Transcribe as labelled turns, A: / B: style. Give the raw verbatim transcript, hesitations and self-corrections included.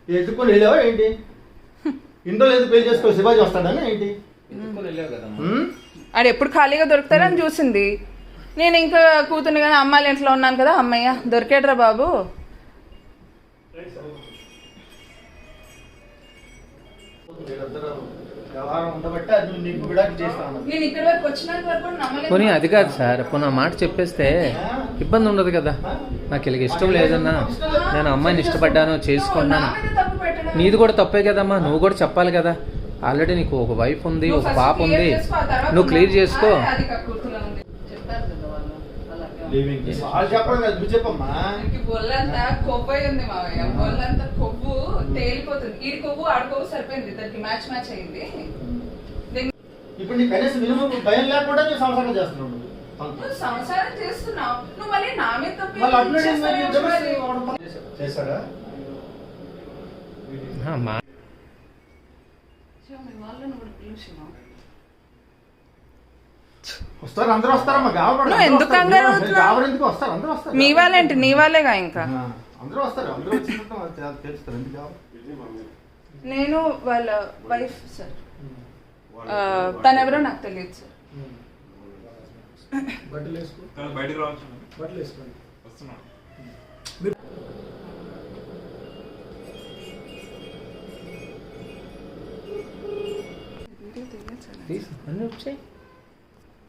A: ఎత్తుకొని వెళ్ళావా ఏంటి? ఇంట్లో లేదు పెళ్లి చేసుకో శివాజీ వస్తాడని ఏంటి?
B: ఆడు ఎప్పుడు ఖాళీగా దొరుకుతాడని చూసింది. నేను ఇంకా కూతుర్ని కానీ అమ్మాయిల ఇంట్లో ఉన్నాను కదా, అమ్మయ్య దొరికాడరా బాబు.
C: పోనీ అది కాదు సార్, పోనీ ఆ మాట చెప్పేస్తే ఇబ్బంది ఉండదు కదా. నాకు ఇలాగ ఇష్టం లేదన్నా, నేను అమ్మాయిని ఇష్టపడ్డాను చేసుకున్నాను, నీది కూడా తప్పే కదమ్మా. నువ్వు కూడా చెప్పాలి కదా. ఆల్రెడీ నీకు ఒక వైఫ్ ఉంది, ఒక పాప ఉంది, నువ్వు క్లియర్ చేసుకో.
B: బొల్లంతా కొవ్వు ఉంది మావయ్య, బొల్లంతా కొవ్వు తేలిపోతుంది. ఈడి కొవ్వు ఆడి కొవ్వు సరిపోయింది, దానికి మ్యాచ్ మ్యాచ్ అయింది.
A: ఇప్పుడు నీ కనీసం మినిమం భయం లేకుండా నువ్వు సంసారం చేస్తున్నావు.
B: నువ్వు సంసారం చేస్తున్నావు, నువ్వు మళ్ళీ నా మీద తప్పు
A: చేశాడా? వస్తారు అందరూ వస్తారమ్మా.
B: నువ్వు ఎందుకు కంగారు
A: ఎందుకు వస్తారు? అందరూ వస్తారు.
B: మీ వాళ్ళేంటి, నీ వాళ్ళేగా. ఇంకా
A: అందరూ వస్తారు, అందరూ వచ్చినట్టు తెలుస్తారు. ఎందుకు?
B: నేను వాళ్ళ వైఫ్ సార్, తనెవరో నాకు తెలియదు సార్.
D: బట్టలు వేసుకో, బయటకు రావచ్చు. బట్టలు వేసుకోండి, వస్తున్నా.
C: అన్నీ వచ్చాయి.